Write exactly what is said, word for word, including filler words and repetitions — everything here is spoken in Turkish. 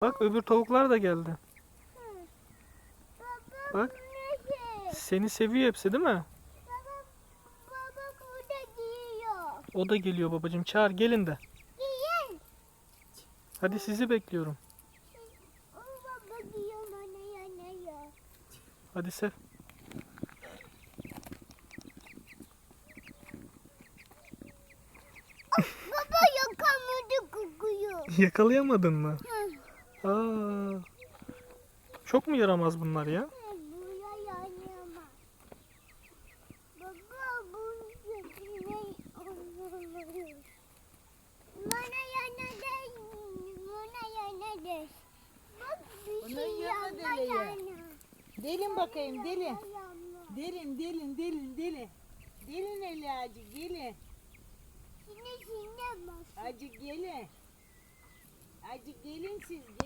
Bak öbür tavuklar da geldi. Baba Bak. bu ne şey? Seni seviyor hepsi değil mi? Baba, baba burada giyiyor. O da geliyor babacığım. Çağır gelin de. Giyin. Hadi sizi bekliyorum. O baba giyiyor bana yanıyor. Hadi sev. Baba yakamadı kokuyor. Yakalayamadın mı? Hı. Aa, çok mu yaramaz bunlar ya? Buraya yanıyor. Baba bu ne oluyor? Bana yanadı. Bana yanadı. Bak bir Bunun şey yanına yanma dele ya. yana. Delin bakayım delin. Yanma. Delin delin delin delin. Delin eli acı gelin. Şimdi şimdi bak. Acı gelin. Acı gelin siz.